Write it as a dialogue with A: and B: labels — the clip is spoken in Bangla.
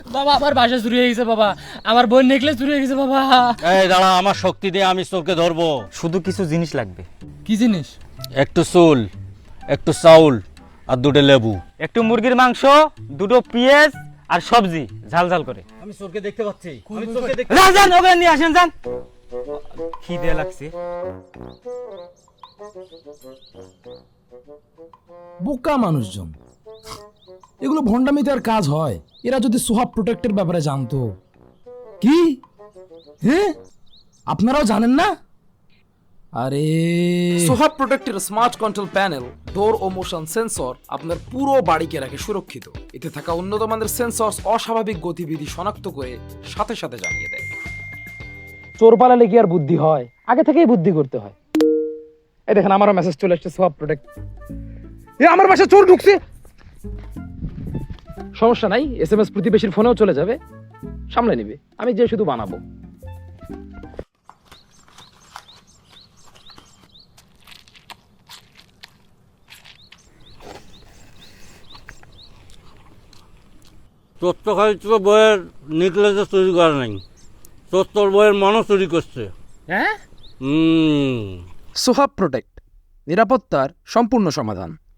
A: বাবা আমার বাসা চুরি হয়ে গেছে বাবা, আমার বোন নেকলেস চুরি হয়ে গেছে বাবা।
B: এই দাঁড়া, আমার শক্তি দিয়ে আমি তোকে ধরবো।
C: শুধু কিছু জিনিস লাগবে।
A: কি জিনিস?
B: একটু চুল, একটু চাউল আর দুটো লেবু।
C: একটু মুরগির মাংস, দুটো পেঁয়াজ আর সবজি ঝাল ঝাল করে।
B: আমি চোরকে দেখতে পাচ্ছি, আমি চোরকে দেখতে
C: যান যান, ওখানে নিয়ে আসেন, যান। খিদে লাগছে।
D: বোকা মানুষজন, এগুলো ভণ্ডামিতে আর কাজ হয়? এরা যদি সোহাব প্রোটেক্টের ব্যাপারে জানতো। কি? হ্যাঁ, আপনারাও জানেন না? আরে
E: সোহাব প্রোটেক্টের স্মার্ট কন্ট্রোল প্যানেল, ডোর ও মোশন সেন্সর আপনার পুরো বাড়িকে রাখে সুরক্ষিত। এতে থাকা উন্নত মানের সেন্সর অস্বাভাবিক গতিবিধি শনাক্ত করে সাথে সাথে জানিয়ে দেয়।
F: চোর পালালে কি আর বুদ্ধি হয়? আগে থেকেই বুদ্ধি করতে হয়। এই দেখেন, আমারও মেসেজ চলে আসছে সোহাব প্রোটেক্ট। এ আমার বাসায় চোর ঢুকছে। সমস্যা নাই, এসএমএস প্রতিবেশীর ফোনেও চলে যাবে, সামলে নিবে। আমি যে শুধু বানাবো।
B: তোর তো খালি তোর বইয়ের নেকলেসে চুরি করে নাই, তোর বইয়ের মনও চুরি করছে।
A: হ্যাঁ,
E: সোহাব প্রোটেক্ট, নিরাপত্তার সম্পূর্ণ সমাধান।